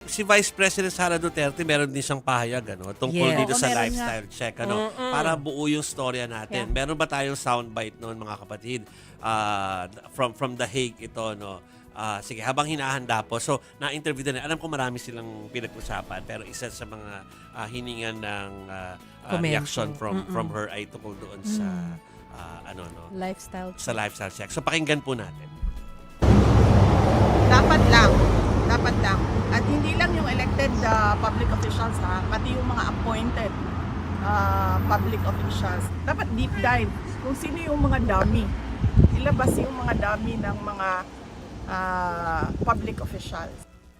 si Vice President Sara Duterte, meron din siyang pahayag tungkol Yeah. dito sa meron lifestyle check. Para buo yung storya natin. Yeah. Meron ba tayong soundbite noon, mga kapatid? From The Hague ito, no? Sige, habang hinahanda po. So, na-interview din. Alam ko marami silang pinag-usapan, pero isa sa mga hiningan ng reaction from her ay tungkol doon sa Lifestyle. sa lifestyle check. So, pakinggan po natin. Dapat lang. At hindi lang yung elected public officials pati yung mga appointed public officials. Dapat deep dive kung sino yung mga dummy. Ilabas yung mga dummy ng mga public officials.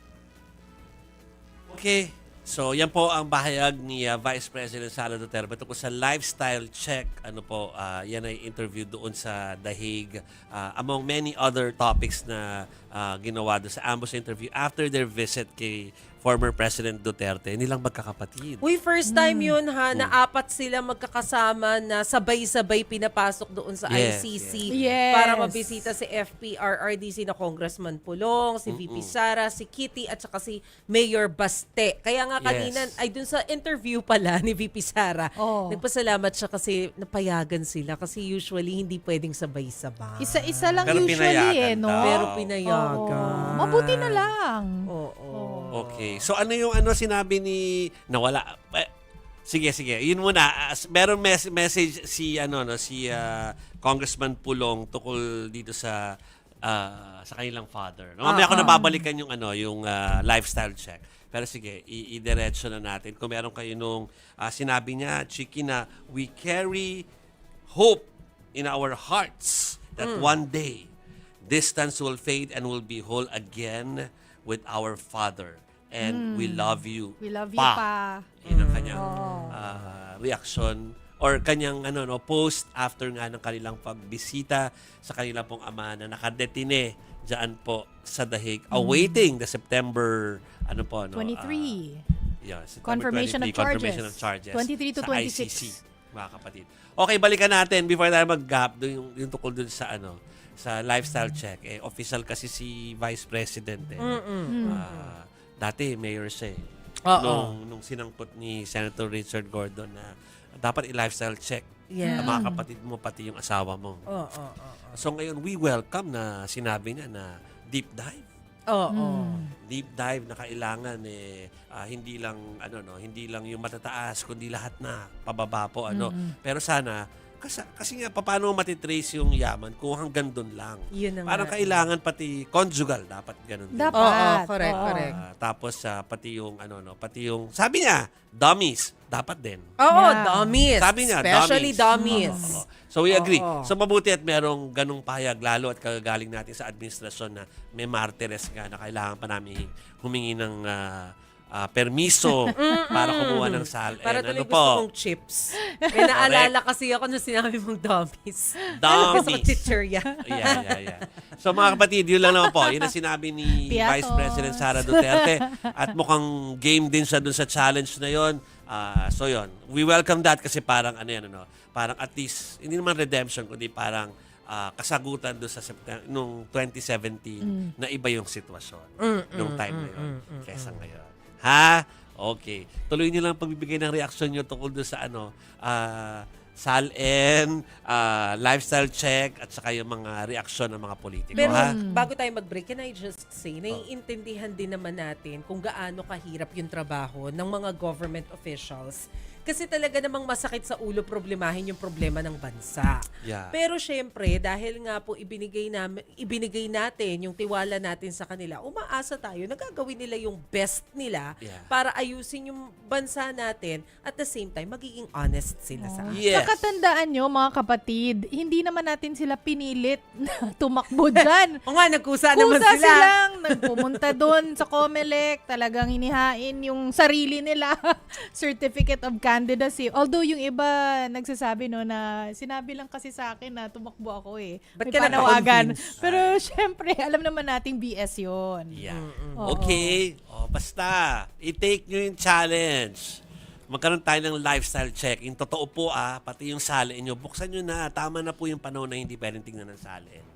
Okay. So, yan po ang bahayag ni Vice President Sara Duterte tungkol sa lifestyle check. Yan ay interview doon sa The Hague. Among many other topics na ginawa doon sa ambush interview after their visit kay former President Duterte, nilang magkakapatid. Uy, first time yun na apat sila magkakasama na sabay-sabay pinapasok doon sa Yes, ICC yes. para mabisita si FPRRDC na Congressman Pulong, si VP Sara, si Kitty at saka si Mayor Baste. Kaya nga kanina, Yes. ay dun sa interview pala ni VP Sara, Oh. nagpasalamat siya kasi napayagan sila kasi usually hindi pwedeng sabay-sabay. Isa-isa lang Pero usually pinayagan no? daw. Pero Oo. pinayagan. Mabuti na lang. Oo. Okay. So, ano yung sinabi ni... Nawala. Sige. Yun muna. Meron message si Congressman Pulong tungkol dito sa kanilang father. No? Mamaya ako nababalikan yung lifestyle check. Pero sige, i-diretso na natin. Kung meron kayo nung sinabi niya, Chiki, na we carry hope in our hearts that one day distance will fade and we'll be whole again with our Father. And we love you. We love you pa. Yun ang kanyang reaction or kanyang post after nga ng kanilang pagbisita sa kanilang pong ama na nakadetine dyan po sa The Hague, awaiting the September 23. September Confirmation 23, of charges. confirmation of charges 23 to sa 26. ICC, mga kapatid. Okay, balikan natin before tayo mag-gap yung tungkol dun sa sa lifestyle check. Official kasi si Vice President. Dati mayor siya nung sinangkot ni Senator Richard Gordon na dapat i-lifestyle check Yeah. ang mga kapatid mo pati yung asawa mo. So ngayon we welcome na sinabi niya na deep dive. Deep dive na kailangan hindi lang yung matataas kundi lahat na pababa po Pero sana kasi nga paano matitrace yung yaman kung hanggang doon lang. Yun na Parang nga. kailangan pati conjugal dapat ganun din. Dapat. Oo, correct, Oo. correct. Tapos pati yung sabi niya dummies dapat din. Oo, Yeah. dummies. Sabi niya, Especially dummies. dummies. Oo. So we agree. Oo. So mabuti at merong ganung pahayag lalo at kagagaling natin sa administrasyon na may martires nga na kailangan pa namin humingi ng permiso para kumuha ng sal. Para And tuloy gusto kong chips. May naalala kasi ako na sinabi mong dummies. Gusto ko Dummies. chichirya. Yeah. So mga kapatid, yun lang naman po. Yun ang sinabi ni Piatos. Vice President Sara Duterte. At mukhang game din siya dun sa challenge na yun. So yun, we welcome that kasi parang parang at least, hindi naman redemption, kundi parang kasagutan doon sa nung 2017 na iba yung sitwasyon nung time na yun kesa ngayon. Ha? Okay. Tuloy niyo lang pagbibigay ng reaksyon niyo tungkol doon sa SALN, lifestyle check, at saka yung mga reaksyon ng mga politiko. Pero Ha? bago tayo mag-break, can I just say, naiintindihan din naman natin kung gaano kahirap yung trabaho ng mga government officials. Kasi talaga namang masakit sa ulo problemahin yung problema ng bansa. Yeah. Pero syempre, dahil nga po ibinigay natin yung tiwala natin sa kanila, umaasa tayo na gagawin nila yung best nila para ayusin yung bansa natin at the same time, magiging honest sila sa atin. Yes. Saka tandaan nyo, mga kapatid, hindi naman natin sila pinilit na tumakbo dyan. O nga, nagkusa naman Kusa sila. silang nagpumunta doon sa COMELEC, talagang hinihain yung sarili nila, certificate of candidacy. Although yung iba nagsasabi na sinabi lang kasi sa akin na tumakbo ako Ba't May ka panawagan. nagpa-convince? Pero syempre, alam naman nating BS yun. Yeah. Oo. Okay. Basta, i-take nyo yung challenge. Magkaroon tayo ng lifestyle check. Yung totoo po pati yung salin nyo, buksan nyo na. Tama na po yung panahon na hindi pwedeng tingnan ng salin.